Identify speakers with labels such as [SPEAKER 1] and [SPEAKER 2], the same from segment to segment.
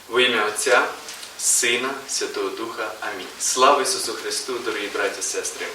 [SPEAKER 1] Во ім'я Отця, Сина, Святого Духа. Амінь. Слава Ісусу Христу, дорогі браті і сестри!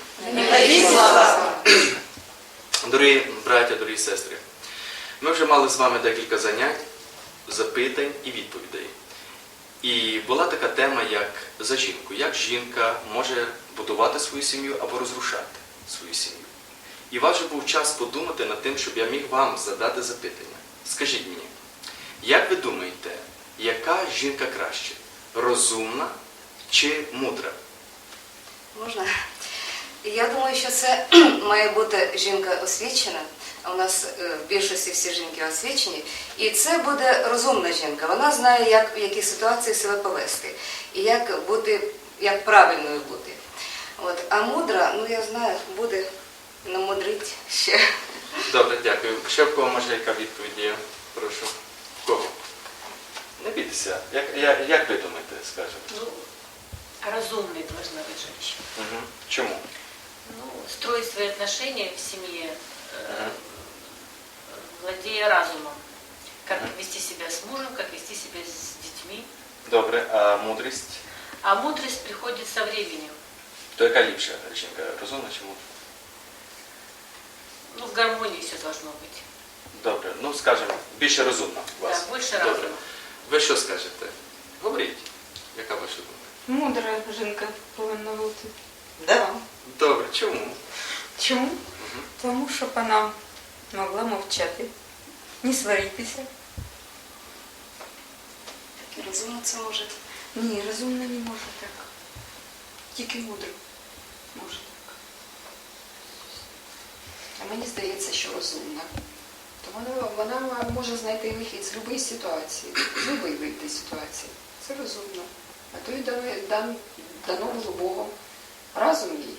[SPEAKER 1] Дорогі браття, дорогі сестри! Ми вже мали з вами декілька занять, запитань і відповідей. І була така тема, як за жінку. Як жінка може будувати свою сім'ю або розрушати свою сім'ю. І ваш був час подумати над тим, щоб я міг вам задати запитання. Скажіть мені, як ви думаєте, яка жінка краще? Розумна чи мудра?
[SPEAKER 2] Можна? Я думаю, що це має бути жінка освічена. У нас в більшості всі жінки освічені. І це буде розумна жінка. Вона знає, як в якій ситуації себе повести. І як бути, як правильною бути. От. А мудра, ну я знаю, буде намудрить ще.
[SPEAKER 1] Добре, дякую. Ще в кого може яка відповідь є? Прошу. В кого? Не бійтеся. Як ви думаєте, скажете?
[SPEAKER 3] Ну, разумной должна быть женщина.
[SPEAKER 1] Угу. Чому?
[SPEAKER 3] Ну, строить свои отношения в семье, владея разумом. Как вести себя с мужем, как вести себя с детьми.
[SPEAKER 1] Добре, а мудрість?
[SPEAKER 3] А мудрость приходит со временем.
[SPEAKER 1] То яка ліпша жінка? Розумна чи мудра?
[SPEAKER 3] Ну, в гармонии все должно быть.
[SPEAKER 1] Добре, ну скажемо, більше розумна у вас.
[SPEAKER 3] Да, больше
[SPEAKER 1] Добре.
[SPEAKER 3] разума.
[SPEAKER 1] Ви що скажете? Говоріть. Яка ваша думка?
[SPEAKER 4] Мудра жінка повинна бути.
[SPEAKER 2] Да.
[SPEAKER 1] Добре, чому?
[SPEAKER 4] Чому? Тому що вона могла мовчати, не сваритися.
[SPEAKER 2] І розумно це може.
[SPEAKER 4] Ні, розумно не може так. Тільки мудро може так.
[SPEAKER 5] А мені здається, що розумна. То вона може знайти вихід з будь-якої ситуації, з будь-якої вийти ситуації. Це розумно. А то й дано було Богом. Разум їй.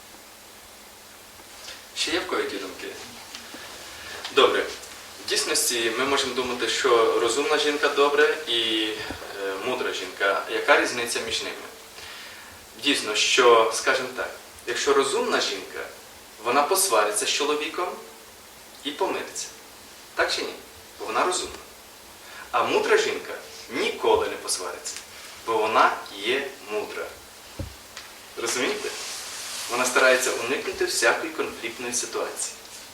[SPEAKER 1] Ще є в кого які думки? Добре. В дійсності ми можемо думати, що розумна жінка добре і мудра жінка. Яка різниця між ними? Дійсно, що, скажімо так, якщо розумна жінка, вона посвариться з чоловіком і помириться. Так чи ні? Бо вона розумна. А мудра жінка ніколи не посвариться, бо вона є мудра. Розумієте? Вона старається уникнути всякої конфліктної ситуації.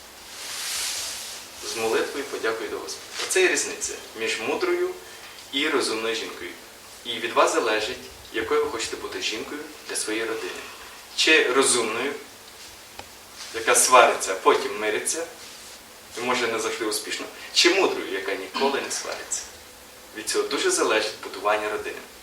[SPEAKER 1] З молитвою подякую до Господа. Оце є різниця між мудрою і розумною жінкою. І від вас залежить, якою ви хочете бути жінкою для своєї родини. Чи розумною, яка свариться, а потім мириться, і може не завжди успішно, чи мудрою, яка ніколи не свариться. Від цього дуже залежить будування родини.